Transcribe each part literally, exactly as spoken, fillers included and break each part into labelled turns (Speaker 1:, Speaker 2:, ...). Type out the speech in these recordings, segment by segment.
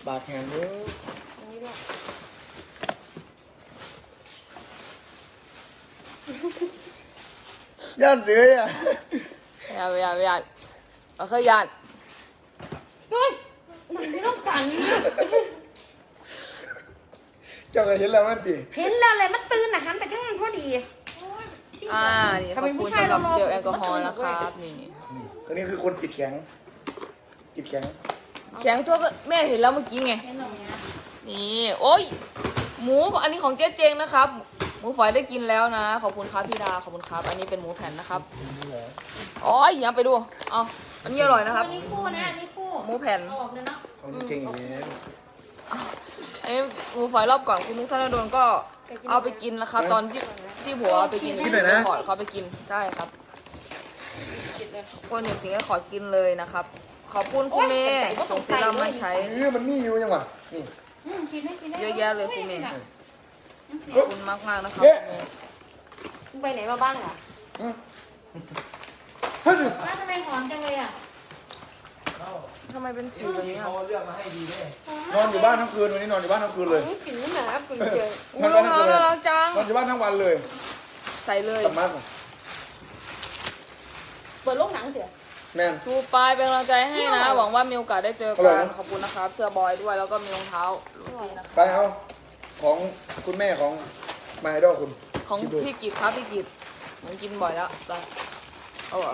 Speaker 1: ปากแข็งเยอะย่านเสืออ่ะ
Speaker 2: อย่าอย่าอย่าเอาเคยยัน
Speaker 3: เฮ้ยหนังที่ต้องกันเนี่ย
Speaker 1: เจ้าก็เห็นแล้วมันติ
Speaker 3: เห็นแล้วเลยมันตื่นนะหันไปทั้งนั้นพอดี
Speaker 2: อ่านี่ขอบคุณสำหรับเจลแอลกอฮอล์นะครับนี่
Speaker 1: ตัวนี้คือคนจิตแข็งจิตแข็ง
Speaker 2: แข็งทั่วแม่เห็นแล้วเมื่อกี้ไงนี่โอ้ยหมูอันนี้ของเจ๊เจงนะครับหมูฝอยได้กินแล้วนะขอบคุณครับพี่ดาขอบคุณครับอันนี้เป็นหมูแผ่นนะครับอ๋ออย่าไปดูเอาอันนี้อร่อยนะครับ
Speaker 3: อันนี้คู่นะอันนี้คู่
Speaker 2: หมูแผ่น
Speaker 3: ออกเลยเนาะ
Speaker 1: เขาเก่งอย่างนี้
Speaker 2: อันนี้หมูฝอยรอบก่อนคุณนุ๊กธนดลก็เอาไปกินนะครับตอนที่ที่ผัวเอาไปกินที่ขอเขาไปกินใช่ครับคนหนึ่งจริงก็ขอกินเลยนะครับขอบคุณคุณเมย์ส่งซีรั่มมาใช้
Speaker 1: เออมันมีอยู่ยังวะนี่
Speaker 3: กินได้กินได้
Speaker 2: เยอะแยะเลยคุณเมย์ขอบคุณมากมากๆนะครับคุณเมย์
Speaker 3: ไปไหนมาบ้างอ่ะ
Speaker 1: เฮ้ย
Speaker 3: ป้าทำไมหอมจังเลยอ่ะ
Speaker 2: ทำไมเป็นสีแบบนี้อ่ะ
Speaker 1: นอนอยู่บ้านทั้งคืนวันนี้นอนอยู่บ้านทั้งคืนเลย
Speaker 3: กลิ่นหนาปิ่นเจอ
Speaker 2: อุ้ยรองเท้าน่ารักจัง
Speaker 1: นอนอยู่บ้านทั้งวันเลย
Speaker 2: ใส่เลย
Speaker 1: กลับมาก่อน
Speaker 3: เปิดโรงหนังเถอะ
Speaker 1: แม่น
Speaker 2: ชูปลายเป็นกำลังใจให้นะหวังว่ามีโอกาสได้เจอกันขอบคุณนะครับเสื้อบอยด้วยแล้วก็มีรองเท้าลูฟี่นะคะ
Speaker 1: ไปเอาของคุณแม่ของมาไอดอลคุณ
Speaker 2: ของ
Speaker 1: คิดดู
Speaker 2: พี่กิตครับพี่กิตมันกินบ่อยแล้วไปเอาเหรอ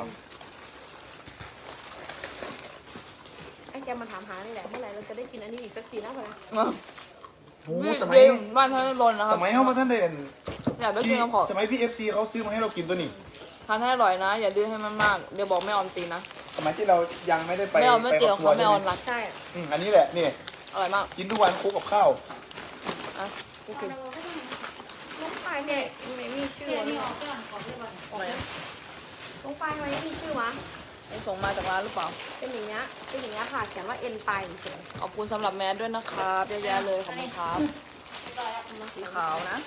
Speaker 3: ไอ้แกมาถามหานี่แหละเมื่อไหร่เราจะได้กินอันนี้อีกสักทีนะพอนะ
Speaker 1: โอ้
Speaker 2: พี่
Speaker 1: สมัย
Speaker 2: เย็นบ้านท่านรนนะค
Speaker 1: ส
Speaker 2: รับ
Speaker 1: มัยเขามาท่านเด่น
Speaker 2: อยากได้กิ
Speaker 1: ที่
Speaker 2: นน้ำผอ
Speaker 1: สมัยพี่เอฟซีเขาซื้อมาให้เรากินตัวนี้
Speaker 2: ทานให้อร่อยนะ อย่าดื้อให้มันมากเดี๋ยวบอกแม่ออมตีนะ
Speaker 1: สมัยที่เรายังไม่ได้ไป
Speaker 2: แม่ออมไม่เตี๋ยว
Speaker 1: คร
Speaker 2: เขา
Speaker 1: อบค
Speaker 2: แม่
Speaker 1: รั
Speaker 2: อ
Speaker 1: ว
Speaker 2: อมรัก
Speaker 3: ใช่
Speaker 1: อืมอันนี้แหละนี่
Speaker 2: อร่อยมาก
Speaker 1: กินทุกวันคลุกกับข้าว
Speaker 2: อ่ะพี่กิน
Speaker 3: ลูกปลายเนี่ยไม่มีชื่อนี่ออกก่อนขอเรียกก่อนออกเลยลูกปลายทำไมไม่มีชื่อวะ
Speaker 2: ไอ้ส่งมาจากร้านหรือเปล่า
Speaker 3: เป็นอย่างเงี้ยเป็นอย่างเงี้ยค่ะเขียนว่าเอ็นปลายเฉย
Speaker 2: ขอบคุณสำหรับแมสด้วยนะครับเยอะแยะเลยขอบคุณครับสีขาวนะ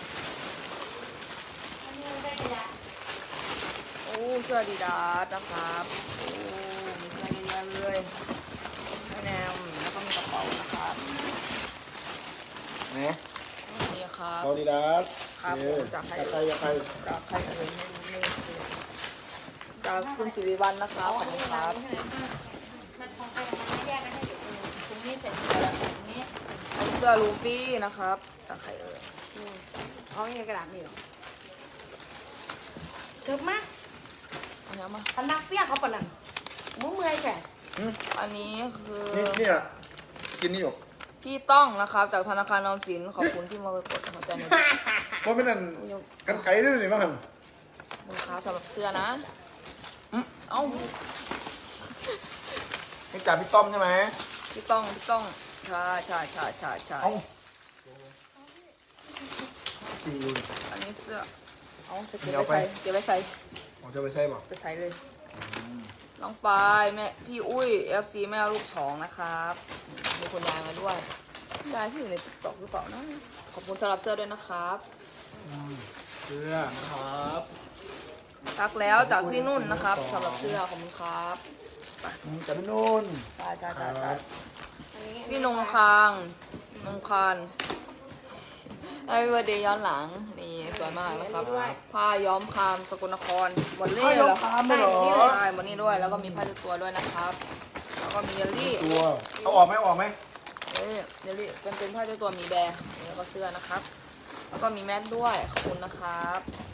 Speaker 2: โอ้เสื้อดีดาสนะครับโอ้มีเสื้อเยอะแยะเลยไม่แนมแล้วก็มีกระเป๋านะครับ
Speaker 1: นะ
Speaker 2: นี่ครับ
Speaker 1: บอดีดัส
Speaker 2: ครับผมจากใคร
Speaker 1: จากใครจากใคร
Speaker 2: จากใครเอ่ยไม่รู้ไม่รู้จากคุณสิริวัลย์นะครับขอบคุณครับ
Speaker 3: มันของใครของมันแยกกันให้อยู่ตรงนี้เสร็จแล้วตรงนี้
Speaker 2: อันนี้เสื้อลูฟี่นะครับจากใครเอ่ย
Speaker 3: เอาไงกระดาษนี่หรอเกิดมา
Speaker 2: อันนี้มา
Speaker 3: พันนักเปี้ยเขาปะนั่นมุ้งเมื่อยแค่
Speaker 1: อืม
Speaker 2: อันนี้คือ
Speaker 1: นี่นี่อ่ะกินนี่อยู่
Speaker 2: พี่ต้องนะครับจากธนาคารออมสินขอบคุณที่มากดหัวใจใน
Speaker 1: ว่าไม่นั่นกันไก่ด้วยนี่มั้งหัน
Speaker 2: มือค้าสำหรับเสื้อนะอืมเอ้า
Speaker 1: นี่จ่าพี่ต้อมใช่ไหม
Speaker 2: พี่ต้องพี่ต้องใช่ใช่ใช่ใช่ใช่
Speaker 1: เอ้าตีอยู่
Speaker 2: อันนี้เสื้อเอาจะเก็บไว้ใส่เก็บไว้ใส่
Speaker 1: ผมจะไปใส่บ่
Speaker 2: จะใส่เลยน้องปายแม่พี่อุ้ยเอฟซีแม่ลูกสองนะครับมีคนยายมาด้วยยายที่อยู่ในติ๊กต็อกหรือเปล่านะขอบคุณสำหรับเสื้อด้วยนะครับ
Speaker 1: เสื้อนะครับ
Speaker 2: ทักแล้วจากพี่นุ่นนะครับสำหรับเสื้อขอบคุณครับ
Speaker 1: อืมจ่าพี่นุ่น
Speaker 2: จ้าจ้าจ้า
Speaker 1: ค
Speaker 2: จ้า
Speaker 1: รับ
Speaker 2: พี่นงคางนงคานไอ้เบอร์เดย์ย้อนหลังนี่สวยมากนะครับผ้าย้อมคามสกลนครบอลเล่
Speaker 1: อ้าว
Speaker 2: เหร
Speaker 1: ย
Speaker 2: อ
Speaker 1: อมตามเลยเหรอ
Speaker 2: ใช่บอลนี่ด้วยแล้วก็มีผ้าเช็ดตัวด้วยนะครับ แล้วก็มีเยลลี่
Speaker 1: ตัวเอาออกไหมเอาออกไหม
Speaker 2: เอ้ยเยลลี่เป็นเป็นผ้าเช็ดตัวมีแบร์แล้วก็เสื้อนะครับ แล้วก็มีแมสด้วยขอบคุณนะครับ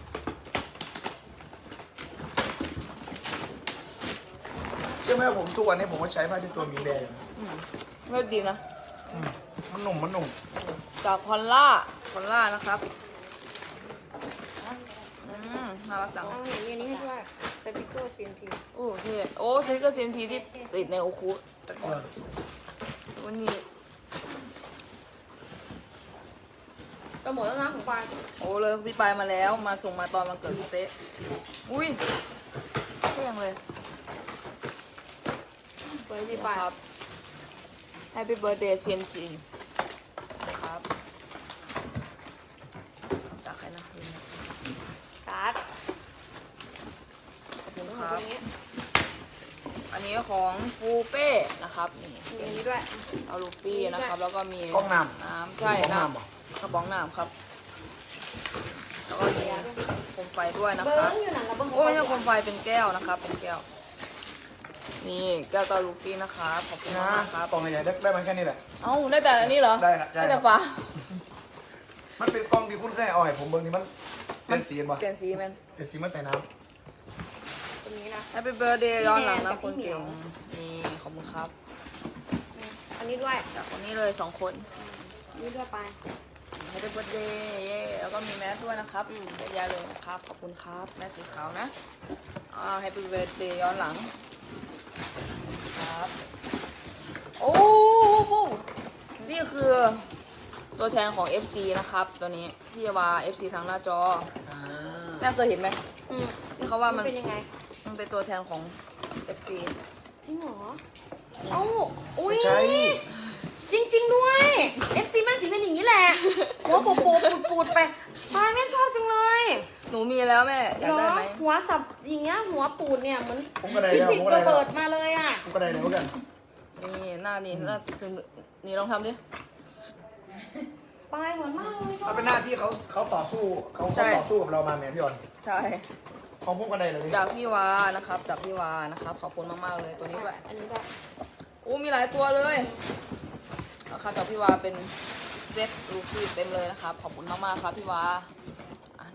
Speaker 1: เชื่อไหมว่าผมทุกวันนี้ผมก็ใช้ผ้าเช็ดตัวมีแดง
Speaker 2: อืมไม่ดีนะ
Speaker 1: อืมมันหนุ่มมันหนุ่ม
Speaker 2: จากพอลล่าพอลล่านะครับอืมน่ารักจัง
Speaker 3: เอาอย่างนี้ให้ด้วยสติ๊กเกอร์ซีนพี
Speaker 2: โอ้เท่โอ้ใช้ก็เซียนพีที่ติดในโอคุแต่ก่อนวันนี้
Speaker 3: ก็หมดแล้วนะของปลาย
Speaker 2: โอ้เลยพี่ปายมาแล้วมาส่งมาตอนมันเกิดพี่เต๊ะอุ้ยเท่ยังเลย
Speaker 3: เปิดที่ปลาย
Speaker 2: ครับ Happy Birthday เซียนจีครับจากใครนะ
Speaker 3: การ์ด
Speaker 2: ขอบคุณ
Speaker 3: ข
Speaker 2: ค
Speaker 3: อง
Speaker 2: รั
Speaker 3: ต
Speaker 2: บ
Speaker 3: รงนี้
Speaker 2: อันนี้ของฟูเป้นะครับนี่
Speaker 3: มีอันนี้ด้วย
Speaker 2: เอาลูฟี่นะครับ แล้วก็มี
Speaker 1: กล้องน้
Speaker 2: น้ำ
Speaker 1: ำ
Speaker 2: ใช่
Speaker 1: กล้อง
Speaker 2: น้
Speaker 1: น้ำเหรอ
Speaker 2: ำกระป๋องน้ำครับ แล้วก็มีโคมไฟด้วยนะ
Speaker 3: เบิ้
Speaker 2: ครับ
Speaker 3: งอยู่หนังกับเบิ้ง
Speaker 2: โอ้ไม่ใช่โคมไฟเป็นแก้วนะครับ เป็นแก้ว นี่แก้วตาลูฟี่นะครับขอบคุณ
Speaker 1: นะ
Speaker 2: มากครับ
Speaker 1: กล่องใหญ่ๆได้ได้มาแค่นี้แหละ
Speaker 2: เอ้าได้แต่อันนี้เหรอ
Speaker 1: ได้ครับได้ครับ
Speaker 2: แต่ฟ้า
Speaker 1: มันเป็นกล้องที่คุณเคยเอาให้ผมเบิ่งนี่มันเปลี่ยนสีเห็นปะ
Speaker 2: เปลี่ยนสีแมน
Speaker 1: เปลี่ยนสีมาใส่น้
Speaker 3: ตรงนี้นะ
Speaker 2: Happy Birthday ย้อนหลังนะ
Speaker 3: พี่
Speaker 2: คน
Speaker 3: แนนกับพี่เหมี
Speaker 2: เก่
Speaker 3: ยว
Speaker 2: งนี่ขอบคุณครับ
Speaker 3: อันนี้ด้วย
Speaker 2: จากคนนี้เลยสองคน
Speaker 3: อันนี้ด้วยไป
Speaker 2: Happy Birthday เย้แล้วก็มีแมสด้วยนะครับ
Speaker 3: อืม
Speaker 2: เยอะแยะเลยนะครับ ขอบคุณครับ แมสสีขาวนะอ่า Happy Birthday ย้อนหลังครับโอ้โหนี่คือตัวแทนของ เอฟ ซี นะครับตัวนี้พี่วา เอฟ ซี ทางหน้าจอ
Speaker 1: ำอ่า
Speaker 2: แม่เคยเห็นไหม
Speaker 3: อืม
Speaker 2: ที่เขาว่ามัน
Speaker 3: เป็นยังไง
Speaker 2: มันเป็นตัวแทนของ เอฟ ซี
Speaker 3: จริงเหรอเอ้าอุ้ย
Speaker 1: ใช่
Speaker 3: จริง ๆ ด้วย เอฟ ซี แม่งสีเป็นอย่างนี้แหละ หัวโปโปปูดปูดๆไปปายแม่ชอบจังเลย
Speaker 2: หนูมีแล้วแม่อยาก
Speaker 3: เหร
Speaker 2: ได้
Speaker 3: อ
Speaker 2: ไหม
Speaker 3: หัวสับอย่างเงี้ยหัวปูดเนี่ยเหมือน
Speaker 1: ผมก็ได้
Speaker 3: พิ
Speaker 1: แล้ว
Speaker 3: จิ
Speaker 1: ผ
Speaker 3: ต
Speaker 1: มก็
Speaker 3: ระ
Speaker 1: ได้แล้ว
Speaker 3: เบิดมาเลยอ่ะ
Speaker 1: ผมก็ได้แล้วกัน
Speaker 2: นี่หน้านี่หน้าถึงนี่ลองทำดิ
Speaker 3: ปายเหมือนมากเลยชอ
Speaker 1: มั
Speaker 3: บ
Speaker 1: นเป็นหน้าที่เขาเขาต่อสู้เขา
Speaker 2: ใช่
Speaker 1: เขาต่อสู้กับเรามาแหมพี่ออน
Speaker 2: ใช่
Speaker 1: ของผมก็ได้เลย
Speaker 2: จากพี่วานะครับ จากพี่วานะครับ ขอบคุณมากๆเลยตัวนี้ด้วย
Speaker 3: อันนี้ด้วย
Speaker 2: อู้มีหลายตัวเลยนะครับจากพี่วาเป็นเซ็ตลูฟี่เต็มเลยนะครับ ขอบคุณมากๆครับพี่วาอ่ะ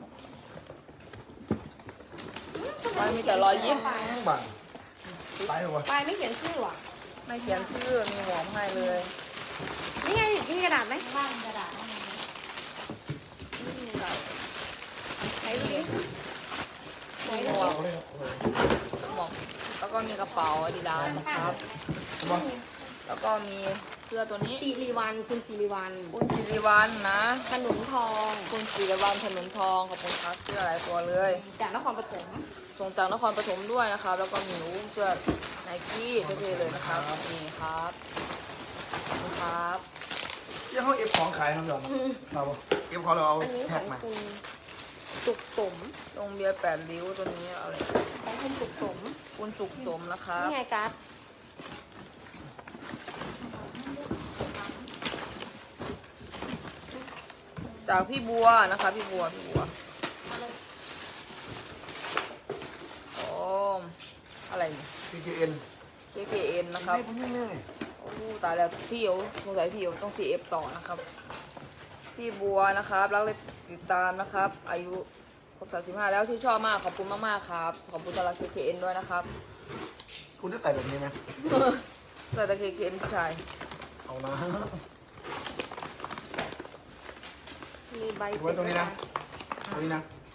Speaker 2: มันมีแต่รอยยิ้ม
Speaker 1: บังตายหัว
Speaker 3: ปายไม่เขียนชื่อว่ะ
Speaker 2: ไม่เขียนชื่อมีหมวกให้เลย
Speaker 3: นี่ไงมีกระดาษไหม
Speaker 4: บ้านกระดาษ
Speaker 3: ไหนดูดิไหน
Speaker 2: มี
Speaker 3: ดู
Speaker 2: หมว
Speaker 3: ดิ
Speaker 2: กหมวกแล้วก็มีกระเป๋าอาดิดาสนะครับ แล้วก็มีเสื้อตัวนี้
Speaker 3: สิริวันคุณสิริวัน
Speaker 2: คุณสิริวัลนะ
Speaker 3: ขนุนทอง
Speaker 2: คุณสิริวัลถนนทองขอบคุณครับเสื้อหลายตัวเลย
Speaker 3: จากนครปฐม
Speaker 2: ส่งจากนครปฐมด้วยนะครับ แล้วก็มีหนูเสื้อไนกี้เท่ๆเลยนะครับนี่ครับขอบคุณครับ
Speaker 1: ยังเขาเอฟของขายครับพี่ออนเราเอฟของเราเอา
Speaker 3: อันนี้ข
Speaker 1: แพ็
Speaker 3: อ
Speaker 1: ค
Speaker 3: ง
Speaker 1: มา
Speaker 3: คุณสุขสม
Speaker 2: ตรงเบียร์แปดริ้วตัวนี้เอาเลย
Speaker 3: ของคุณสุขสม
Speaker 2: คุณสุขสมนะครับ
Speaker 3: นี่ไงการ์ด
Speaker 2: จากพี่บัวนะคะพี่บัวพี่บัวโอ้อะไรเนี่ย
Speaker 1: พีเคเอ็น
Speaker 2: เค เค เอ็น นะครับ
Speaker 1: ผมยังไม่
Speaker 2: โอ้ตายแล้วพี่เอ๋วสงสัยพี่เอ๋วต้อง ซี เอฟ ต่อนะครับ พี่บัวนะครับรักเลยติดตามนะครับ อายุครบสามสิบห้าแล้วชื่นชอบมากขอบคุณมากๆครับขอบคุณสำหรับ เค เค เอ็น ด้วยนะครับ
Speaker 1: คุณจะใส่แบบนี้ไหม
Speaker 2: ใส่แต่ เค เค เอ็น ผู้ชาย
Speaker 1: เอานะ
Speaker 3: มีใบ
Speaker 1: ไว้ตรงนี้นะตรงนี้นะ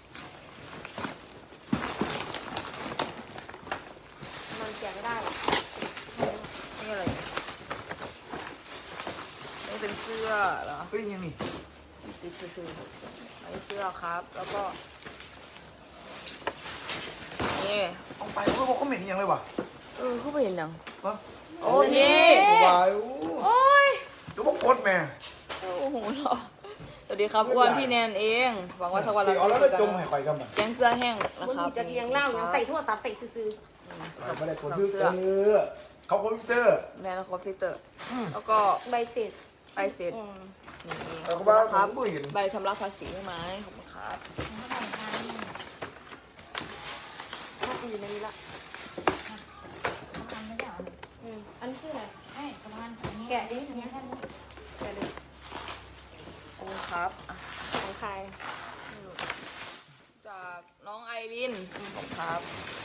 Speaker 3: มันแกะไม่ได้หรอก
Speaker 2: นี่อะไรเนี่ยนี่เป็นเสื้อเหรอ
Speaker 1: เฮ้ยยังนี่
Speaker 2: ติดคือๆอันนี้เสื้อครับ แล้วก็นี่
Speaker 1: เอาไปเพราะว่าเขาเหม็นยังเลยวะ
Speaker 2: เออเขาไปเห็นยัง
Speaker 1: วะ
Speaker 2: โอ้พี่
Speaker 1: วายโอ้
Speaker 3: โอ้ย
Speaker 1: เดี๋ยวพวกกดแม่
Speaker 2: โอ้โหเหรอสวัสดีครับอ้วนพี่แนนเองหวังว่าสักวันเรา
Speaker 1: เอาแล้ว
Speaker 2: จะ
Speaker 1: ก็
Speaker 2: เจอ
Speaker 1: จ
Speaker 2: กั
Speaker 1: ม
Speaker 2: น
Speaker 1: ให้ข่อยกันมา
Speaker 2: แกงเสื้อแห้งนะ
Speaker 3: มึง
Speaker 2: ครับ
Speaker 3: จะเลี้ยงเหล้ายังใส่โทรศัพท์ใส่ซื้อ
Speaker 1: ไม่ได้กดพิวเตอร์เขาคอมพิวเตอร์
Speaker 2: แม่แล้วคอฟฟิเตอร์ แล้วก็
Speaker 3: ๆใบเสร็จ
Speaker 2: ไปเสร็จ
Speaker 3: อืม
Speaker 2: นี่ข
Speaker 1: แล้
Speaker 2: อ
Speaker 1: ว
Speaker 2: บ
Speaker 1: ก็
Speaker 2: คุณ
Speaker 1: บ้า
Speaker 2: นะ
Speaker 1: ผ
Speaker 2: ครับ
Speaker 1: มก็เห็น
Speaker 2: ใบชำระภาษีให้ไหมขอบคุณครับ
Speaker 3: ถ้าอยู่ในนี้ละ
Speaker 4: ทำไม่ได้หรอ
Speaker 3: อืมอันนี้คืออะไร
Speaker 4: ไอ้ประมาณนี้
Speaker 3: แกะดิ
Speaker 4: เนี้ยแค่นี้
Speaker 3: แกะดู
Speaker 2: ขอบคุณครับอ่ะ
Speaker 3: ของใคร
Speaker 2: จากน้องไอรินขอบคุณครับ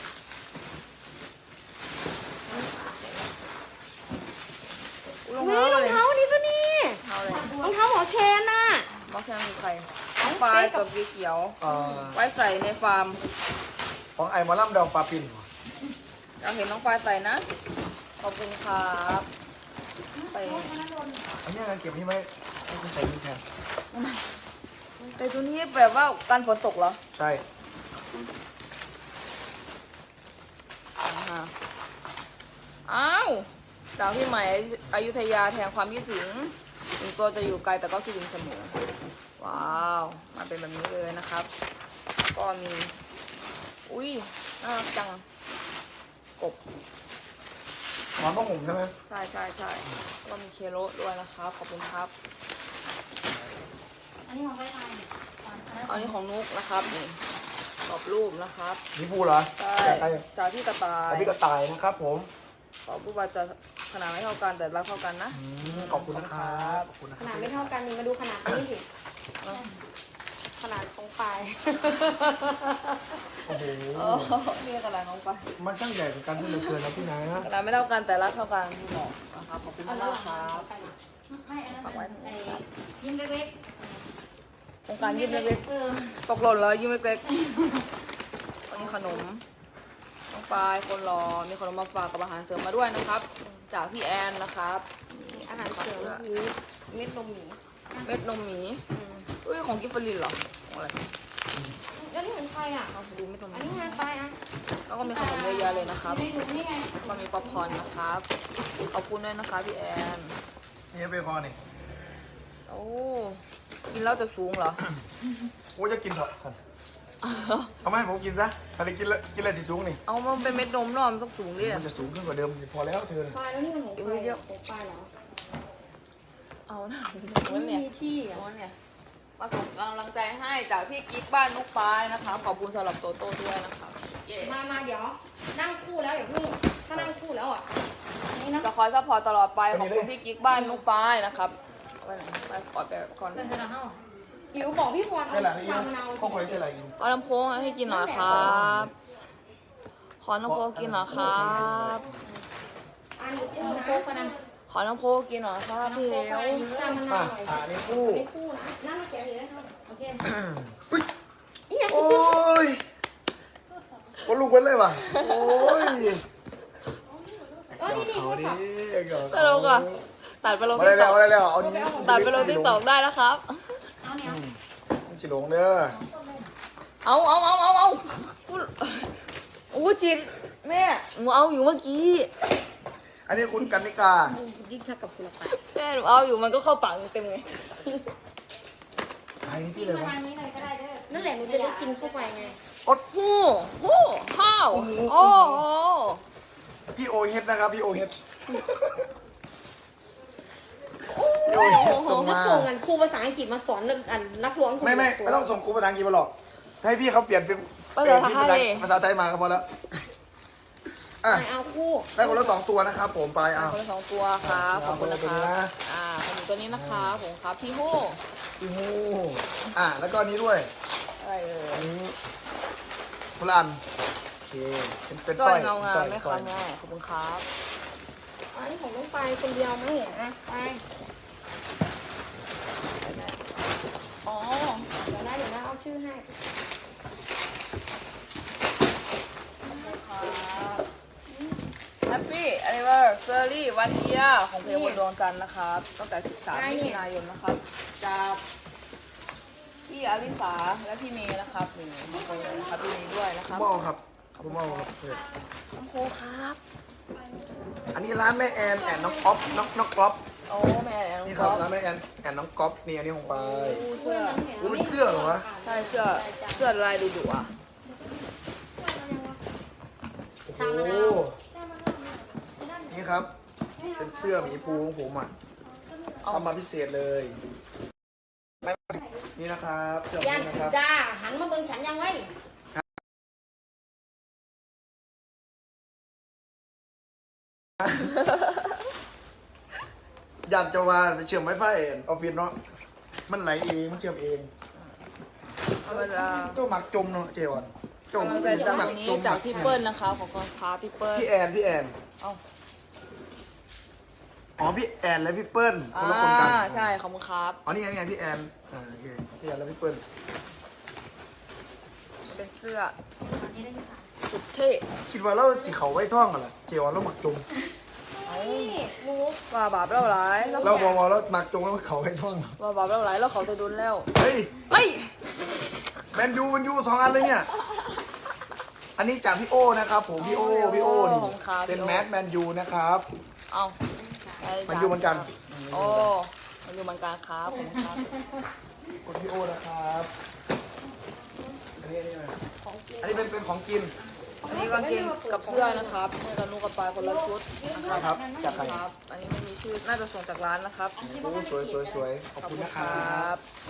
Speaker 2: อุ๊ยรอง
Speaker 3: นี่
Speaker 2: เท้าร
Speaker 3: อง
Speaker 2: เลย
Speaker 3: เท้านี่ตัวนี้
Speaker 2: เท้าเลย
Speaker 3: รองเท้าหมอเคนน่ะ
Speaker 2: มอสแคมคือใครน้องปลายกับสีเขียว
Speaker 1: เอ่อ
Speaker 2: ไว้ใส่ในฟาร์ม
Speaker 1: ของไอ้หมอลำดาวปลาปิน
Speaker 2: อยากเห็นน้องปลายใส่นะ ขอบคุณครับไป
Speaker 1: อันนี้งานเก็บนี่ไหมให้คุณใส่นี่แทน
Speaker 2: แต่ตัวนี้แบบว่าการฝนตกเหรอ
Speaker 1: ใช่
Speaker 2: อ่าฮะอ้าวจากพี่ใหม่อยุธยาแทนความคิดถึงถึงตัวจะอยู่ไกลแต่ก็คิดถึงเสมอ ว้าวมาเป็นแบบนี้เลยนะครับ ก็มี อุ้ยน่ารักจังกบ
Speaker 1: หมอนผ้าห่มใช่ไหม
Speaker 2: ใช่ใช่ใช่ก็มีเคโรด้วยนะครับขอบคุณครับ
Speaker 4: อันนี้ของใครทำ
Speaker 2: อันนี้ของนุกนะครับนี่กรอบรูปนะครับ
Speaker 1: นี่พูเหรอ
Speaker 2: ใช่
Speaker 1: จากใคร
Speaker 2: จากพี่กระต่าย
Speaker 1: จากพี่กระต่ายนะครับผม
Speaker 2: ขอผู้ว่าจะขนาดไม่เท่ากันแต่รักเท่ากันนะ
Speaker 1: อืมขอบคุณนะครับขอบคุณนะค
Speaker 3: ข
Speaker 1: รับ
Speaker 3: นาดไม่เท่ากันนี่มาดูขนาดนี้สิขนาดตรงปลาย
Speaker 1: โอ้โห
Speaker 2: โอ้เรียกอะไรน้องไป
Speaker 1: มันช่างใหญ่เหมือนกันที่เหลือเกินนะพี่นะ
Speaker 2: ขนาดไม่เท่ากันแต่รักเท่ากันพี่บอกนะครับขอบคุณ
Speaker 4: เอา
Speaker 2: มาก
Speaker 4: ระหว่าง
Speaker 2: ครับ
Speaker 4: ไม่อันนั้นไอ้ยิ้มเล็ก
Speaker 2: โครงการยิ้มเล็ก
Speaker 4: เออ
Speaker 2: ๆตกหล่นแล้วยิ้มเล็กๆวันนี้ขนมน้องปลายคนรอมีขนมมาฝากกับอาหารเสริมมาด้วยนะครับ จากพี่แอนนะครับ
Speaker 3: อาหารเสริมคือเม็ดนมหมี
Speaker 2: เม็ดนมหมีอุ้ยของกิฟฟลินเหรอของอะไร
Speaker 3: แล้วนี่เหมือนใครอ่ะ
Speaker 2: เอาดูเม็ดนมห
Speaker 3: อัน
Speaker 2: มี
Speaker 3: นี้งานไปอ่ะ
Speaker 2: แล้วก็มีขนมเยอะแยะเลยนะครับ
Speaker 4: ไม่รู้นี่ไง
Speaker 2: ก็มีป๊อปคอร์นนะครับ ขอบคุณด้วยนะคะพี่แอน
Speaker 1: นี่เบคอนนี่
Speaker 2: โอ้ กินแล้วจะสูงเหรอ
Speaker 1: โอ้จะกินเถอะท่านเอาไหมาให้ผมกินซะถ้าได้กินแล้วกินอะไรสิสูงนี่
Speaker 2: เอามันเป็นเม็ดนมเนอะมันต้องสูงดิ
Speaker 1: มันจะสูงขึ้นกว่าเดิมพอแล้วเธอ
Speaker 3: ปลายแล้วนี่มันของใครอ่ะของปลายเหรอ
Speaker 2: เอานะ
Speaker 3: ไม่
Speaker 2: มันเนี่ย
Speaker 3: มีที่อ่ะ
Speaker 2: เอาเนี่ย มาส่งกำลังใจให้จากพี่กิ๊กบ้านนุกปายนะคะขอบคุณสำหรับโตโต้ด้วยนะครับเย้
Speaker 3: มามาเดี๋ยว นั่งคู่แล้วอย่าเพิ่งถ้านั่งคู่แล้วอ่ะนี่นะ
Speaker 2: จะคอยซัพพอร์ตตลอดไปขอบคุณพี่กิ๊กบ้านนุกปายนะครับไปไหนไปกอดไปก่อน
Speaker 4: เป็นขนาดเท่า
Speaker 3: อิ๋วบอกพี่พรเอา
Speaker 1: ได้หละนี่
Speaker 3: ชามะนาว
Speaker 1: ก็คอยใช่ไรอีก
Speaker 2: เอาน้ำโค้งให้กินหน่อยครับขอน้ำโค้กกินหน่อยครับ
Speaker 3: อันนี้คู่
Speaker 4: โค
Speaker 3: นะ
Speaker 4: กคนนั้น
Speaker 2: ขอน้ำโค้กกินหน่อยครับพี่เหว
Speaker 3: ชามะนา
Speaker 1: อ่ะ
Speaker 3: วหน่อย
Speaker 1: อ่านี่คู่
Speaker 3: ไม่คู่นะนั่งแกะเลยนะครับโอเค
Speaker 1: อุ้ย
Speaker 3: อีหยัง
Speaker 1: โอ้ยคนลูกเป็นเลยว่ะโอ้ย
Speaker 3: เออนี่นี่โทรศัพท์
Speaker 2: ตลกอ่ะตัดไปลง
Speaker 1: มา
Speaker 2: ติ๊
Speaker 1: ได้
Speaker 2: ก
Speaker 1: แล้
Speaker 2: ต็
Speaker 1: ว
Speaker 2: อก
Speaker 1: มาได้แล้วเอานี้
Speaker 2: ตัดไปลงติ๊กต็อกได้แล้วครับ
Speaker 4: เอาเนี่ย
Speaker 1: มันสิหลงเด้อ
Speaker 2: เอาเอาเอาเอาเอาพูดโอ้จินแม่หนูเอาอยู่เมื่อกี้
Speaker 1: อันนี้คุณกันนิกา
Speaker 3: ยิ่งถ้ากับคุณละไป
Speaker 2: แม่หนูเอาอยู่มันก็เข้าปากเต็มไง
Speaker 1: ไอ้นี่
Speaker 4: กิ
Speaker 1: พี่
Speaker 4: น
Speaker 1: เลย
Speaker 4: ประ
Speaker 1: วะ
Speaker 4: มาณนี้เลยก็ได้เด้อ
Speaker 3: นั่นแหละหนูจะได้กินเข้าไปไง
Speaker 1: อด
Speaker 2: หูหูข้าว
Speaker 1: โอ้โห
Speaker 2: โอ้โห
Speaker 1: พี่โอเฮดนะครับพี่โอเฮดพี่โอ
Speaker 3: โอ้
Speaker 1: เฮด
Speaker 3: โห
Speaker 1: ส่ง
Speaker 3: มา
Speaker 1: มา
Speaker 3: ส่งกันครูภาษาอังกฤษมาสอนอันนักร้อง
Speaker 1: ไม่ไม่ไม่ต้องส่งครูภาษาอังกฤษมาหรอกให้พี่เขาเปลี่ยนเป็น
Speaker 2: ภาษาไท
Speaker 1: ภาย ษาภาษาไทยมาก็พอแล้วอ่ะ
Speaker 3: ไม่เอาคู่
Speaker 1: ได้คนละสองตัวนะครับผมไปเอา
Speaker 2: คนละสองตัวครับขอบคุณนะ
Speaker 1: เอาคนละตัว
Speaker 2: ค
Speaker 1: นะ
Speaker 2: รับอ่าขอบคุณตัวนี้นะคะผมครับพี่ฮู้
Speaker 1: พี่ฮู้อ่ะแล้วก็อันนี้ด้วย
Speaker 2: อะไรเอ่
Speaker 1: อั
Speaker 2: ย
Speaker 1: นนี้พลันโอเคเป็นเป็น
Speaker 2: ส
Speaker 1: ส
Speaker 2: ร้
Speaker 1: ร้
Speaker 2: อ
Speaker 1: อย ย
Speaker 2: เงางา
Speaker 1: สร้
Speaker 2: ม
Speaker 1: อย
Speaker 2: ไหม
Speaker 1: สร้
Speaker 2: คะ
Speaker 1: อย
Speaker 2: แม่ขอบคุณครับ
Speaker 3: อันนี้ของน้องไปคนเดียวไหมอ่ะไป
Speaker 2: อ๋อ
Speaker 3: เดี๋ยวนะเดี๋ยวนะเอาชื่อให้
Speaker 2: แฮปปี้อันนี้ว่าเซอรี่วันเยียของเพลงบนดวงจันทร์นะครับตั้งแต่สิบสามมิถุนายนนะครับ จากพี่อลิสาและพี่เมย์นะครับหนึ่งมาโปรนะครับพี่เมย์ด้วยนะค
Speaker 1: ผ
Speaker 2: รับ
Speaker 1: มเอาครับผมเอาครับเพื่อน
Speaker 2: น้ำโคครับ
Speaker 1: อันนี้ร้านแม่แอนแอนน้องก๊อฟน้องน้องก๊อฟ
Speaker 2: โอ้แม่น้อง
Speaker 1: นี่ค
Speaker 2: ก๊
Speaker 1: รั
Speaker 2: อบ ฟ
Speaker 1: ร้านแม่แอนแอนน้องก๊อฟนี่อันนี้ของไป
Speaker 2: เสื้อ
Speaker 1: โอ้เป็นเสื้อเหรอวะ
Speaker 2: ใช่เสื้อเสื้อลายดุดุอ่ะ
Speaker 1: โอ้โหนี่ครับ เป็นเสื้อหมีภูของผมอ่ะทำมาพิเศษเลยนี่นะครับเสื้อ
Speaker 3: ยัน
Speaker 1: นี้นะครับ
Speaker 3: จ้าหันมาเบิ่งฉันยังไว้
Speaker 1: อยากจะว่าไปเชื่อมไวไฟออฟฟิศเนาะมันไหลเองมันเชื่อมเอง
Speaker 2: ธรรมดา
Speaker 1: เจ้าหมักจมเนาะเจวันเจ้าก
Speaker 2: ำลังใจจาก
Speaker 1: หมั
Speaker 2: วันนี้
Speaker 1: จม
Speaker 2: จากพี่เปิ้ลนะคะของคนค้าพี่เปิ้ล
Speaker 1: พี่แอนพี่แอน
Speaker 2: เอ้า
Speaker 1: อ๋อพี่แอนและพี่เปิ้ลค
Speaker 2: อ่าน
Speaker 1: ละคนกัน
Speaker 2: ใช่ขอบคุณครับ
Speaker 1: อ๋อนี่ไงนี่ไงพี่แอนอ่าโอเคพี่แอนและพี่เปิ้ล
Speaker 2: เป็นเสื้อ
Speaker 4: อันนี้ได้ที่สาม
Speaker 2: สุดเท่
Speaker 1: คิดว่าเราสิเขาไว้ท่องกันเหรอเจวันเราหมักจม
Speaker 3: นี่มูฟ
Speaker 2: ว่าบาปเล่าหลายแล้ว
Speaker 1: เราบอกว่าเราหมักจมแล้วเขาไว้ท่องเหรอ
Speaker 2: ว่าบาปเล่าหลายแล้วเขาจะโดนแล้ว
Speaker 1: เฮ้ย
Speaker 2: เฮ้ย
Speaker 1: แมนยูแมนยูสองอันเลยเนี่ย อันนี้จากพี่โอนะครับผมพี่โอพี่โอนี่เป็นแมสแมนยูนะครับ
Speaker 2: เอา
Speaker 1: แมนยูเหมือนกัน
Speaker 2: โอ้มันอยู่เหมือนกันครับผมครับ
Speaker 1: คนพี่โอนะครับ อันนี้อันนี้อะไรอันนี้เป็นเป็นของกิน
Speaker 2: อันนี้กางเกงกับเสื้อนะครับให้กับนุกกับปายคนละชุดนะ
Speaker 1: ครับจากใคร
Speaker 2: ครับ อันนี้ไม่มีชื่อ น่าจะส่งจากร้านนะครับ
Speaker 1: โอ้สวยสวยสวยขอบคุณนะครับ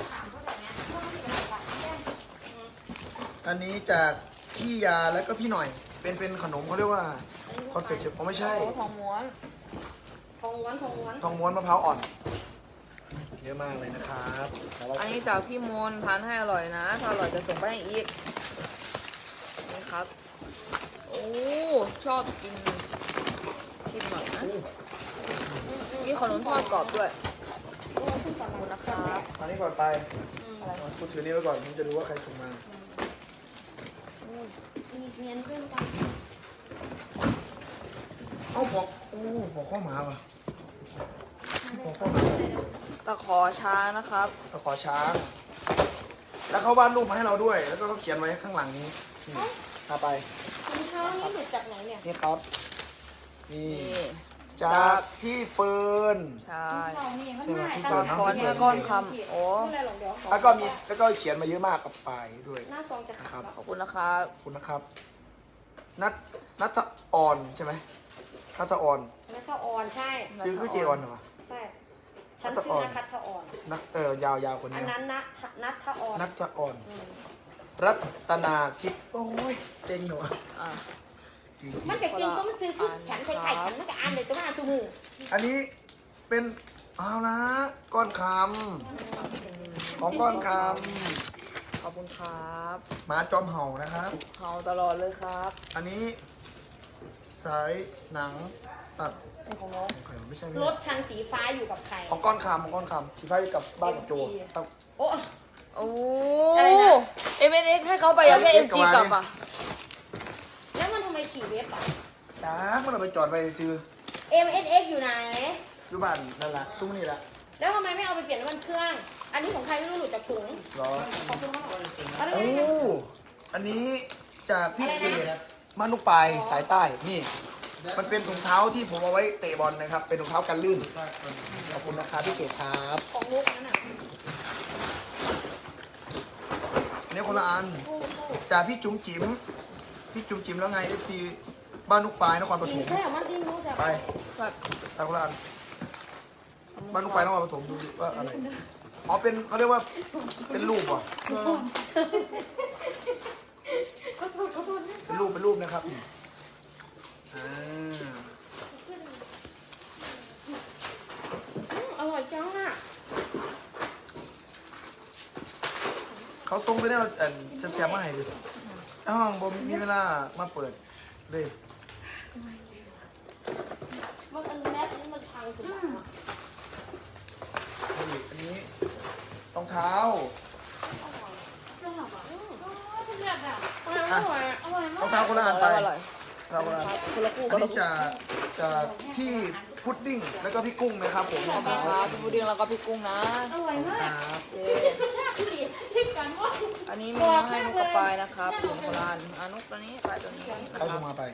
Speaker 1: อันนี้จากพี่ยาแล้วก็พี่หน่อย เป็นเป็นขนมเขาเรียกว่าคอนเฟกต์ผมไม่ใช่
Speaker 2: โอ้ทองม้วน
Speaker 3: ทองม้วนทองม้วน
Speaker 1: ทองม้วนมะพร้าวอ่อน เยอะมากเลยนะครับ
Speaker 2: อันนี้จากพี่มนทานให้อร่อยนะ ถ้าอร่อยจะส่งไปให้อีก นี่ครับ โอ้ ชอบกินชิมหน่อยนะ มีขนมทอดกรอบด้วย ขอบคุณนะครับ
Speaker 1: อันนี้ก่อนไปคุณถือนี่ไว้ก่อนผมจะดูว่าใครส่งมา
Speaker 3: มีเมียนเพื่อนกัน
Speaker 1: เอ้าบอกโอ้บอกข้อหมาป่ะบอกข้อหมา
Speaker 2: ตะขอช้างนะครับ
Speaker 1: ตะขอช้าง แล้วเขาวาดรูปมาให้เราด้วย แล้วก็เขาเขียนไว้ข้างหลังนี้นี่เอาไป
Speaker 3: รองเท้านี่หลุดจากไหนเนี่ย
Speaker 1: นี่ครับ นี่
Speaker 2: นี่
Speaker 1: จากพี่เฟิร์น
Speaker 2: ใช่
Speaker 4: เราเนี่ยมัน
Speaker 1: ใช่ไหม
Speaker 4: ง่าย
Speaker 1: ที่
Speaker 4: แต่
Speaker 1: เปิด
Speaker 2: ตะขอเนื้อก้อนคำโอ้
Speaker 3: ไม่เป็นไรหรอกเดี๋ยว
Speaker 1: แล้วก็มีแล้วก็เขียนมาเยอะมากกับปลายด้วย
Speaker 3: หน้าซองจะ
Speaker 1: นะค
Speaker 3: ขา
Speaker 1: รั
Speaker 3: ด
Speaker 1: บ
Speaker 2: ขอบคุณนะครับ
Speaker 1: ขอบคุณนะครับ นัทนัทอ่อนใช่ไหมนัทอ่อน
Speaker 3: แล้วก็ออนใช่
Speaker 1: ซื้อคือเจออนเหรอ
Speaker 3: ใช่ฉันชื่อนัททอ่อน
Speaker 1: นัทเออยาวยาวคน
Speaker 3: อัน
Speaker 1: นี้
Speaker 3: นั้นนะนัททอ่อน
Speaker 1: นัทอ่อน
Speaker 3: อืม
Speaker 1: รัตนาคิดโอ้ยเต็งหนูอะ
Speaker 2: อ่ะ
Speaker 1: จริง
Speaker 3: มันจะกินก็มันซื้อคือฉันไข่ไข่ฉันมันก็อ่านเลยตัวหน้าตัวมือ
Speaker 1: ๆอันนี้เป็นเอาละก้อนคำของก้อนค
Speaker 2: ขอบคุณครับ
Speaker 1: ำหมาจอมเห่านะครับ
Speaker 2: เฮาตลอดเลยครับ
Speaker 1: อันนี้สายหนังตัด
Speaker 2: นี่ของน้อง
Speaker 1: ของใครวะไม่ใช่ไม่
Speaker 3: ร
Speaker 1: ใช่
Speaker 3: ถคันสีฟ้าอยู่กับใคร
Speaker 1: ของก้อนคำของก้อนคำที่ไปกับบ้านกับโจครับ
Speaker 3: โอ้
Speaker 2: โอ้
Speaker 3: อะไรนะ
Speaker 2: เอ็มเอ็กให้เขาไปยังแค่เอ็มจีกลับอ่ะ
Speaker 3: แล้วมันทำไมขี่เว็บอ่ะ
Speaker 1: จ้ามันเอาไปจอดไว้ซื้อ
Speaker 3: เอ็มเอสเอ็กอยู่ไหน
Speaker 1: อยู่บ้านนั่นแหละซุ้มนี่แหละ
Speaker 3: แล้วทำไมไม่เอาไปเปลี่ยนน้ำมันเครื่อง อันนี้ของใครไม่รู้หลุดจากถุง
Speaker 1: เหรอ
Speaker 3: ขอบคุณมากเอาได้
Speaker 1: โอ้
Speaker 3: ไหม
Speaker 1: อันนี้จากพี่เกดมานุปลายสายใต้นี่ มันเป็นถุงเท้าที่ผมเอาไว้เตะบอลนะครับ เป็นถุงเท้ากันลื่นขอบคุณนะครับพี่เกดครับ
Speaker 3: ของลูกนั่นน่ะ
Speaker 1: อันนี้คนละอัน
Speaker 3: คู่คู่
Speaker 1: จากพี่จุ๋มจิ๋มพี่จุ๋มจิ๋มแล้วไง เอฟ ซี บ้านนุกปลายนครป
Speaker 3: กิ
Speaker 1: ฐ
Speaker 3: น
Speaker 1: ม
Speaker 3: แค่มันดิ้นรู้จัก
Speaker 1: ไป
Speaker 2: แบบ
Speaker 1: ตาคนละอันบ้านนุกปลายนครปฐมดูดิว่าอะไรอ๋อเป็นเขาเรียกว่าเป็นรูปว่ะ
Speaker 3: ขอโทษขอโทษนะ
Speaker 1: เป็นรูปเป็นรูปนะครับอ่า
Speaker 3: อืมอร่อยจังอ่ะ
Speaker 1: เขาส่งไปแล้วเอ่อแซมๆมาให้ดิห้องผมมีเวลามาเปิดเลย
Speaker 3: มันอันแรกนี่มันพังสุดแล้วอะ
Speaker 1: นี่อันนี้รองเท้า
Speaker 3: ทำไมมันอร่อยอ่ะ
Speaker 1: รองเท้าคนละอันไป
Speaker 2: อร่อย
Speaker 1: รองเท้าคนละอัน
Speaker 2: คนละคู่
Speaker 1: อันนี้จะจะพี่พุดดิ้งแล้วก็พี่กุ้งนะครับผม
Speaker 2: ขอบคุณครับพี่บูดิ้งแล้วก็พี่กุ้งนะ
Speaker 3: อร่อยมาก
Speaker 1: ครับ
Speaker 2: เย้
Speaker 3: ที่กันว่า
Speaker 2: อันนี้มีมาให้นุกกับปายนะครับถึงโบราณอานุกตัวนี้ปายตัวนี้นะ
Speaker 1: ใคร
Speaker 2: ครั
Speaker 1: ส่
Speaker 2: บ
Speaker 1: งมาไป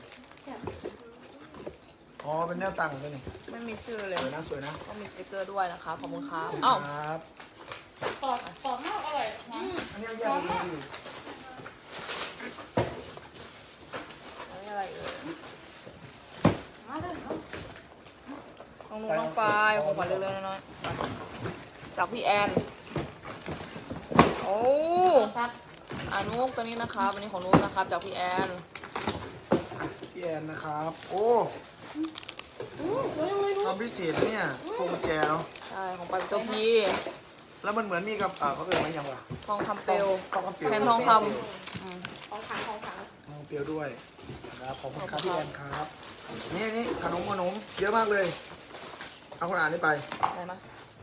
Speaker 1: อ๋อเป็นแนวตั้งตัวนี้
Speaker 2: ไม่มีชื่อเลย
Speaker 1: สวยนะสวยนะ
Speaker 2: ก็มีสติ๊กเกอร์ด้วยนะครับขอบคุณครับอ้าว
Speaker 1: ครับ
Speaker 3: ปอกปอกมากอร่อยนะ
Speaker 1: อันนี้เอาแยกดูดิ
Speaker 2: อันนี้อะไรเอ่ย
Speaker 3: มาเลยเนาะ
Speaker 2: ของนุกน้องปายของขวัญเล็กๆน้อยๆจากพี่แอนโอ้
Speaker 3: ครับ
Speaker 2: อานุกตัวนี้นะครับอันนี้ของนุกนะครับจากพี่แอน
Speaker 1: พี่แอนนะครับ โอ้
Speaker 3: อืมสวยจังเลยลูก
Speaker 1: ทำพิเศษนะเนี่ยพวงกุญแจเนาะ
Speaker 2: ใช่ของปายเป็นตัวพี่
Speaker 1: แล้วมันเหมือนมีกับอ่าเขาเอ่ยมันยังวะ
Speaker 2: ทองคำเปลว
Speaker 1: ทองคำเปลว
Speaker 2: แผ่นทองคำอืม
Speaker 3: ของขังของขัง
Speaker 1: ทองคำเปลวด้วยนะครับขอบคุณครับพี่แอนครับ นี่นี่ขนมขนมเยอะมากเลย เอาคนอ่านนี่ไป
Speaker 2: อะไรมา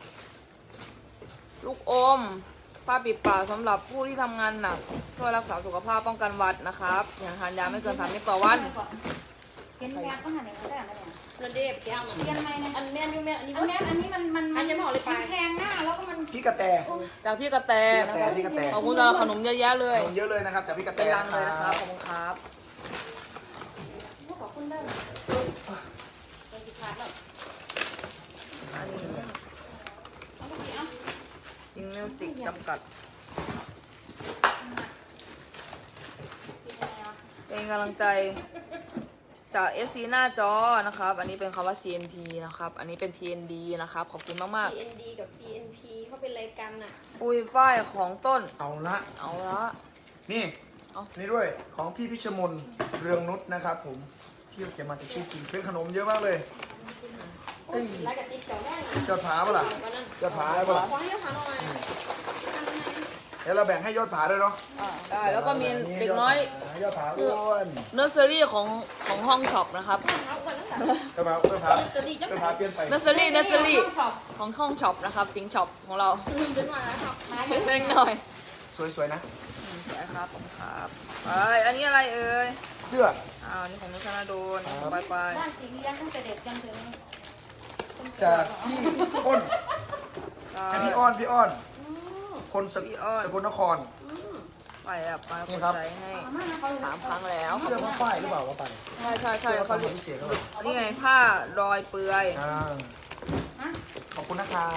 Speaker 2: ลูกอมผ้าปิดปากสำหรับผู้ที่ทำงานหนักช่วยรักษาสุขภาพป้องกันหวัดนะครับอย่างทานยาไม่เกินสามเม็ดต่อวัน
Speaker 4: เป็นแบ็คก็หันอย่างนี้ได้ไหมเนี่ย
Speaker 3: เรนเดฟแก้ว
Speaker 4: เรียนไหมเนี่ย
Speaker 3: อันเนี้ยนี่แม่อันนี้
Speaker 4: อันเนี้ยอันนี้มันมัน
Speaker 3: อันจะบอกเลยไป
Speaker 4: มันแพงหน้าแล้วก็มัน
Speaker 1: พี่กระแต
Speaker 2: จากพี่กระแต
Speaker 1: พี่กระ
Speaker 2: นะ
Speaker 1: แต
Speaker 2: ครับ
Speaker 1: พี่กระแต
Speaker 2: ขอบคุณสำหรับขนมเยอะแยะเลย
Speaker 1: ขนมเยอะเลยนะครับจากพี่กระแต
Speaker 2: เป็นรัง
Speaker 1: นะ
Speaker 2: เลยนะ
Speaker 1: ค
Speaker 2: ค
Speaker 1: รั
Speaker 2: รับบ ขอบคุณครับ
Speaker 3: ขอบคุณได้เป็นสิขาดแล้ว
Speaker 2: อันนี้
Speaker 3: เอาไปกี่อ่ะ
Speaker 2: ซิงมิวสิกจำกัด
Speaker 3: กินอะไรวะ
Speaker 2: เป็นมีกำลังใจจาก เอฟ ซี หน้าจอนะครับ อันนี้เป็นคำว่า ซี เอ็น พี นะครับ อันนี้เป็น ที เอ็น ดี นะครับ ขอบคุณมาก
Speaker 3: ซี เอ็น ดี กับ ซี เอ็น พี เขาเป็นอะไรกันอ่ะ
Speaker 2: ๆ ปุยฝ้ายของต้น
Speaker 1: เอาละ
Speaker 2: เอาละ
Speaker 1: นี่
Speaker 2: เอา
Speaker 1: นี่ด้วยของพี่พิชมนเรืองนุชนะครับ ผมพี่เขียนมาจะชื่อจริงเป็นขนมเยอะมากเลยเอ้ย
Speaker 3: ไล่กับติ๊กเจ้าแน่นะ
Speaker 1: ยอดผาปะล่ะ
Speaker 3: วันนั้น
Speaker 1: ยอดผาได้ปะล่ะ
Speaker 3: ขอให้ยกขาหน่อยอันไหน
Speaker 1: เดี๋ยวเราแบ่งให้ยอดผาด้วยเนาะ
Speaker 2: อ่าได้ แล้วก็มีเด็กน้อย
Speaker 1: ยอดผาอ้วน
Speaker 2: เนอร์เซอรี่ของของห้องช็อปนะครับ
Speaker 3: เอาก่อนตั้งแต่
Speaker 1: ยอดผายอดผา
Speaker 3: จะดีจัง
Speaker 1: ยอดผาเปลี่ยนไป
Speaker 2: เนอร์เซอรี่เนอร์เซอรี่ของห้องช็อปนะครับสิงช็อปของเรา
Speaker 3: ลืมไปหน่อยแล้วครับมา
Speaker 2: เล็กหน่อย
Speaker 1: สวยๆนะ
Speaker 2: อืมสวยครับผมครับไปอันนี้อะไรเอ่ย
Speaker 1: เสื้อ
Speaker 2: อ้าวอันนี้ของนุชนาโดน
Speaker 1: ครับ
Speaker 2: ไปไป
Speaker 4: บ้านสีเลี้ยงตั้งแต่เด็กจนถึง
Speaker 1: จากพี่อ้น
Speaker 2: ใช่
Speaker 1: จากพี่อ้อนพี่อ้อน
Speaker 3: อืม
Speaker 1: คนสก
Speaker 2: พี่อ้อน
Speaker 1: สกลนคร
Speaker 3: อืม
Speaker 2: ไปอ่ะไป
Speaker 1: นี่
Speaker 2: กด
Speaker 1: ครับ
Speaker 2: ใจให้
Speaker 4: อาม่าเขา
Speaker 2: สามครั้งแล้ว
Speaker 1: เสื้อผ้าฝ้ายหรือเปล่าว่าไป
Speaker 2: ใช่ใช่ใช่
Speaker 1: เสื้อ
Speaker 2: เขา
Speaker 1: ผ้า
Speaker 2: เรียก
Speaker 1: พิเศษเลย
Speaker 2: อันนี้ไงผ้ารอยเปื่อย
Speaker 1: อ่า
Speaker 4: ฮะ
Speaker 1: ขอบคุณนะครับ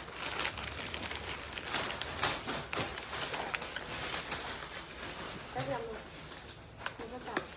Speaker 3: ก็ยำมันก็จับ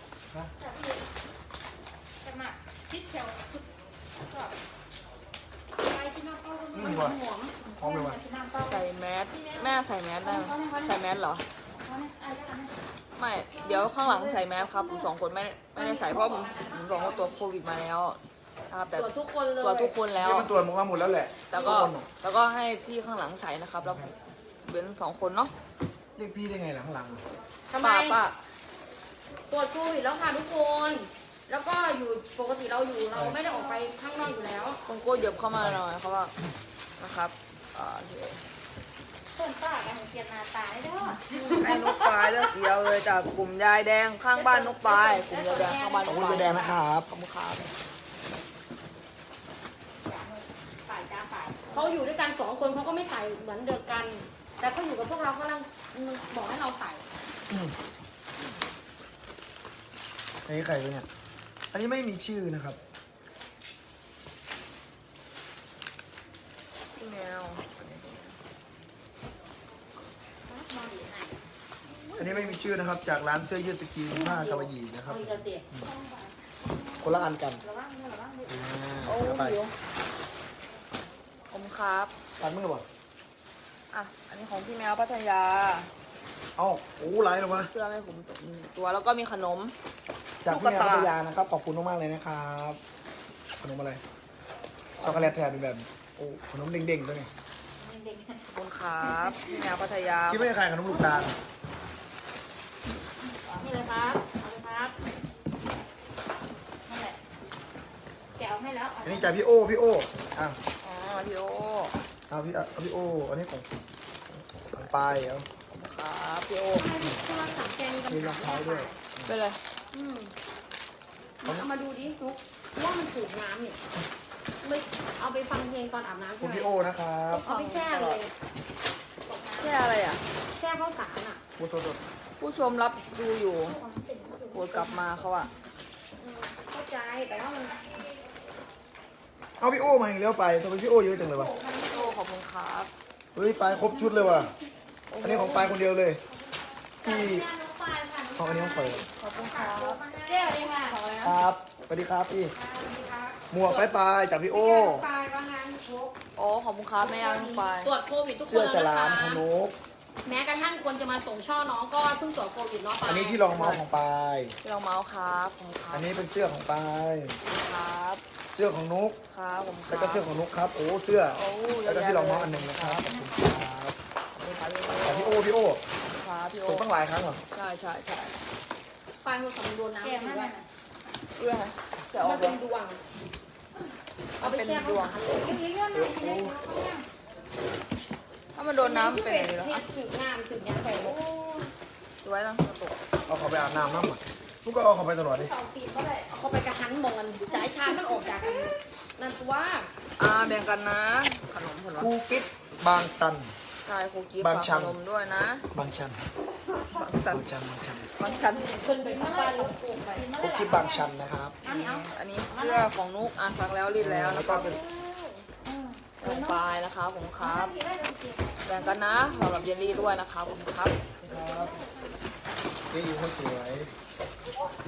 Speaker 4: จะมาคิดแถวก็ไปที่น้องเขา
Speaker 1: อืมว่ะ
Speaker 3: หอม
Speaker 1: พร้อมเลยว่ะ
Speaker 4: ที่น้องเขา
Speaker 2: ใส่แมสแม่ใส่แมสได้ไหมใส่แมสเหรอ
Speaker 4: เขาเนี่ยอะไรกันนะ
Speaker 2: ไม่เดี๋ยวข้างหลังใส่แมสครับผมสองคนไม่ไม่ได้ใส่เพราะผมผมบอกว่าตัวโควิดมาแล้วนะครับแต่
Speaker 3: ตรวจทุกคนเลย
Speaker 2: ตัวทุกคนแล้ว
Speaker 1: เดี๋ยวมันตรวจมาหมดแล้วแหละ
Speaker 2: แล้วก็
Speaker 1: ทุคนน่ะ
Speaker 2: แล้วก็ให้พี่ข้างหลังใส่นะครับแล้วเป็นสองคนเนาะ
Speaker 1: เรียกพี่ได้ไงหลังหลัง
Speaker 3: ทำไม
Speaker 2: ป้าป้า
Speaker 3: ตรวจโควิดแล้วค่ะทุกคน แล้วก็อยู่ปกติเราอยู่เราไม่ได้ออกไปข้างนอกอยู่แล้ว
Speaker 2: คุณโก้เหยียบเข้ามาหน่อยเพราะว่านะครับอ่าโอเค
Speaker 4: ต้นป้ากันเปลี่ยนหน้าตาได้ด้วย
Speaker 2: ให้นกปลายเลือกเสียวเลยจากกลุ่มยายแดงข้างบ้านนกปลายกลุ่มยายแดงข้างบ้าน
Speaker 1: ข
Speaker 2: น
Speaker 1: อบ
Speaker 2: ก
Speaker 1: คุณ
Speaker 2: ปลาย
Speaker 1: ไปแดงนะครับ
Speaker 2: ขอบคุณครับ
Speaker 3: ฝ่ายจ้าฝ่ายเขาอยู่ด้วยกันสองคนเขาก็ไม่ใส่เหมือนเดิมกัน แต่เขาอยู่กับพวกเราเขากำลังบอกให้เราใส่
Speaker 1: อันนี้ใครวะเนี่ย อันนี้ไม่มีชื่อนะครับ
Speaker 2: พี่แมว
Speaker 1: อันนี้ไม่มีชื่อนะครับ จากร้านเสื้อยืดสกรีนผ้ากาวยีนะครับ
Speaker 3: เอาอีกแล้วเด็ก
Speaker 1: คนละอันกัน
Speaker 3: ระวังระวัง
Speaker 1: อ่า
Speaker 2: โอ้
Speaker 1: เอาไป
Speaker 2: หิวผมครับ
Speaker 1: ตัดมือบ่
Speaker 2: อ่ะอันนี้ของพี่แมวพัทยา
Speaker 1: เอ้าโอ้ไรหรอวะ
Speaker 2: เสื้อให้ผมตัวแล้วก็มีขนม
Speaker 1: จากพี่แมว
Speaker 2: ตุ๊กตา
Speaker 1: พัทยานะครับ ขอบคุณมากๆเลยนะครับ ขนมอะไรช็อกโกแลตแทนเป็นแบบโอ้ขนมเด้งๆตัวนี้
Speaker 4: เด็ก
Speaker 2: ขอบคุณครับพี่แมวพัทยา
Speaker 1: ที่ไม่ได้ขายขนมลูกตาล
Speaker 3: นี่เลยครับเอาเลยครับ
Speaker 4: นั่นแหละแกเอาให้แล้ว
Speaker 1: อันนี้จากพี่โอพี่โออ่ะ
Speaker 2: อ๋อพี่โอ
Speaker 1: เอาพี่เอาพี่โออันนี้ของของปลายเอา
Speaker 2: ขอบคุณครับพี่โอ
Speaker 3: ให้โทรศัพท์แกมีปัญ
Speaker 1: มีรอง
Speaker 3: หา
Speaker 1: เท้าด้วย
Speaker 2: เป็นเลย
Speaker 3: อืมเอามาดูดินุ๊กว่ามันถูกน้ำเนี่ยไม่เอาไปฟังเพลงตอนอาบน้ำ
Speaker 1: คุ
Speaker 3: ใช่
Speaker 1: ณ
Speaker 3: ไหม
Speaker 1: พี่โอนะครับ
Speaker 3: เอาไปแช่เลย
Speaker 2: แค่อะไรอ่ะ
Speaker 3: แช่ข้าวสารอ่ะ
Speaker 1: พูดโทษ
Speaker 2: ผู้ชมรับดูอยู่โปรดกลับมาเขาอ่ะ
Speaker 3: อืมเข้าใจแต่ว่ามัน
Speaker 1: เอาพี่โอมาอีกแล้วไปทำไมพี่โอเยอะจังเลยวะ
Speaker 2: พี่โอขอบคุณครับ
Speaker 1: เฮ้ยปลายครบชุดเลยว่ะ อันนี้ของปลายคนเดียวเลย ที่ของอันนี้ของเปิด
Speaker 2: ขอบคุณครับ
Speaker 3: แก้เลยค่ะ
Speaker 2: ขออะไร
Speaker 1: ค
Speaker 2: นะ
Speaker 1: รับสวัสดีครับพี่ หมวกปลายปลายจากพี่โอ
Speaker 3: ปลายว่างานครบ
Speaker 2: โอ้ขอบคุณครับแม่เอาลงไป
Speaker 3: ตรวจโควิดทุกคน
Speaker 1: เสื้อฉ
Speaker 3: แล้ว
Speaker 1: ลาม
Speaker 3: นะ
Speaker 1: ข
Speaker 3: คะ
Speaker 1: นก
Speaker 3: แม้กระทั่งคนจะมาส่งช่อน้องก็เพิ่งตรวจโควิดเนาะปลาย
Speaker 1: อันนี้ที่รองเมาส์ของปลาย
Speaker 2: พี่รองเมาส์ครับขอบคุณครั
Speaker 1: อั
Speaker 2: บ
Speaker 1: นนี้เป็นเสื้อของปลาย
Speaker 2: ครับ
Speaker 1: เสื้อของนุก
Speaker 2: ครับผมครับ
Speaker 1: แล้วก็เสื้อของนุกครับ โอ้เสื้อ
Speaker 2: โอ้เย
Speaker 1: แล้ว
Speaker 2: อะ
Speaker 1: ก็
Speaker 2: แยะ
Speaker 1: ที่รอง
Speaker 2: เล
Speaker 1: เมาส์
Speaker 2: ย
Speaker 1: อันหนึ่งนะครับขอบคุณครับ
Speaker 2: ครับ
Speaker 1: จากพี่โอพี่โอ
Speaker 2: ครับพี่โอ
Speaker 1: ส่งตั้งหลายครั้งเหรอ
Speaker 2: ใช่ใช่ใช่
Speaker 3: ปลายมันสำรวจน้ำ
Speaker 4: แก
Speaker 3: ถื
Speaker 4: ให้
Speaker 3: อว่า
Speaker 2: เรื่องจะออ
Speaker 3: มั
Speaker 2: ก
Speaker 3: น
Speaker 2: แล้
Speaker 3: เป็
Speaker 2: วน
Speaker 3: ดวง เอาไปแช่ข้าวสารเลย
Speaker 4: เลี้ยงหน่อยเลี้ยง
Speaker 2: ถ้ามันโดนน้ำเป็นอะไรหรอ
Speaker 3: ที่ถึงงามถึงยังไงโอ้
Speaker 2: ดูไว้ต้องกระตุก
Speaker 1: เอาเขาไปอาบน้ำน้ำอ่ะนุกก็เอาเขาไปตลอดดิ
Speaker 3: เขาปีนเขาได้เขาไปกระหันมองกันสายชามันออกจากกันนั่นตัว
Speaker 2: อ่าแบ่งกันนะ ขนมผล
Speaker 1: คูกิ๊บบางสัน
Speaker 2: ใช่ครูกิ๊ฟ
Speaker 1: บาง
Speaker 2: ฝาก
Speaker 1: ชั
Speaker 2: ข
Speaker 1: น
Speaker 2: นมด้วยนะ
Speaker 1: บางชัน
Speaker 2: บางสัน
Speaker 1: บางชันบางชัน
Speaker 2: บางสัน
Speaker 3: คนไปที่บ้านลูกโป่งไป
Speaker 1: คูกิ๊บบางชันนะครับ
Speaker 4: อันนี้เอา
Speaker 2: อันนี้เสื้อของนุกอ่านซักแล้วรีดแล้ว
Speaker 1: แล้
Speaker 2: แล้ว ว
Speaker 1: ก็
Speaker 2: ก็
Speaker 1: เป็น
Speaker 2: ลงปลายนะคะผมครับ แบ่งกันนะสำหรับเยลลี่ด้วยนะคะผมครับ
Speaker 1: ครับนี่อยู่คนสวย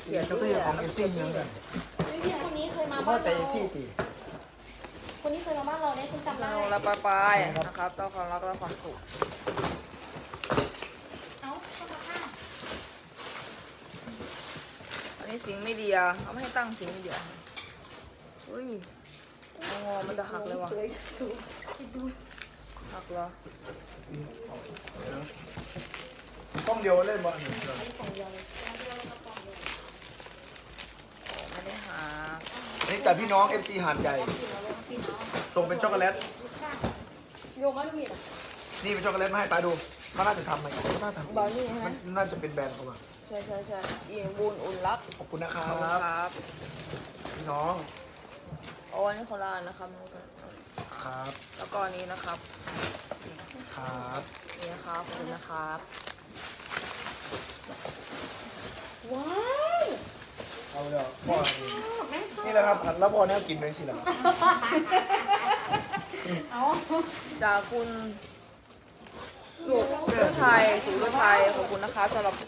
Speaker 2: เขียน
Speaker 1: แล้วก็อย่างของเอฟซีเหมือนกัน
Speaker 3: คนนี้เคยมา
Speaker 1: พ่อ
Speaker 3: บ้าน
Speaker 1: แต่
Speaker 3: เรา
Speaker 1: เอฟซีตี
Speaker 3: คนนี้เคยมาบ้านเราเนี่ยฉันจำได้
Speaker 2: เราละปลายปลายๆนะครับต้องความรักและความสุข
Speaker 3: เอ้าเข้ามาข้าง
Speaker 2: อันนี้สิงไม่ดีอ่ะเขาไม่ให้ตั้งสิงไม่ดีอ่ะอุ้ยงอมันจะหักเลยว่ะ
Speaker 3: สวยสูงดู
Speaker 2: หักเหรอ
Speaker 1: ต้องเดียวเล่นบอล
Speaker 3: ของเดียวเลย
Speaker 2: ไม่ได้หัก
Speaker 1: นี่จากพี่น้องเอฟซีหาดใหญ่
Speaker 3: พี่น้อง
Speaker 1: ส่งเป็นช็อกโกแลต
Speaker 3: โยมว่าลูกมีดอ่ะ
Speaker 1: นี่เป็นช็อกโกแลตมาให้ป้าดูเขาน่าจะทำไหมเขาน่าทำ
Speaker 2: บราวนี่
Speaker 1: มั
Speaker 2: ฮะ
Speaker 1: นน่าจะเป็นแบรนด์เขามา
Speaker 2: ใช่ใช่ใช่อิงบุญอุ่นรัก
Speaker 1: ขอบคุณนะครั
Speaker 2: ขอบคุณ
Speaker 1: บ
Speaker 2: ครับ
Speaker 1: พี่น้อง
Speaker 2: โอ้อันนี้ของร้านนะครับ
Speaker 1: ครับ
Speaker 2: แล้วก็อันนี้นะครับ
Speaker 1: ครับ
Speaker 2: นี่นะครับขอบคุณนะครับ
Speaker 3: ว้าว
Speaker 1: เอาเดี๋ยวพ่อ
Speaker 3: แม่ชอบ
Speaker 1: นี่แหละครับแล้วพ่อเนี่ยกินเลยสิล่ะ
Speaker 3: เอา
Speaker 2: จากคุณสุรไทยสุรไทยขอบคุณนะครับสำหรับ